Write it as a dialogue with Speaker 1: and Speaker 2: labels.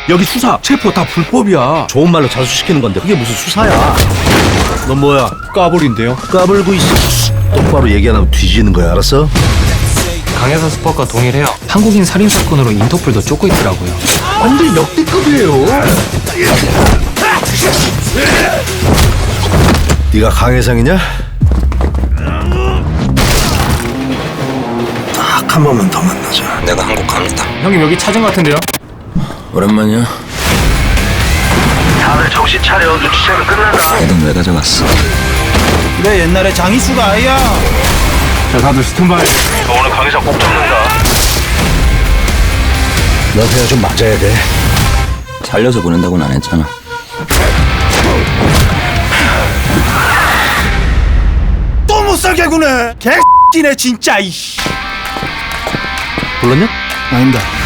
Speaker 1: 여기 수사, 체포 다 불법이야.
Speaker 2: 좋은 말로 자수시키는 건데 그게 무슨 수사야? 넌 뭐야?
Speaker 1: 까불인데요.
Speaker 2: 까불고 있어. 똑바로 얘기 안 하면 뒤지는 거야, 알았어?
Speaker 3: 강혜사 스팟과 동일해요. 한국인 살인 사건으로 인터폴도 쫓고 있더라고요.
Speaker 2: 완전 역대급이에요. 네가 강혜상이냐? 딱 한 번만 더 만나자.
Speaker 4: 내가 한국 갑니다.
Speaker 3: 형님 여기 찾은 것 같은데요?
Speaker 4: 오랜만이야.
Speaker 2: 다들 정신 차려. 눈치채면 끝난다.
Speaker 4: 애는 왜 가져갔어?
Speaker 5: 그래 옛날에 장이수가 아이야.
Speaker 3: 자 다들 스탠바이.
Speaker 2: 너 오늘 강혜상 꼭 잡는다. 너 그냥 좀 맞아야 돼.
Speaker 4: 살려서 보낸다고는 안 했잖아.
Speaker 5: 또 못 살게 구네. 개X네 진짜 이씨.
Speaker 2: 불렀냐?
Speaker 5: 아닙니다.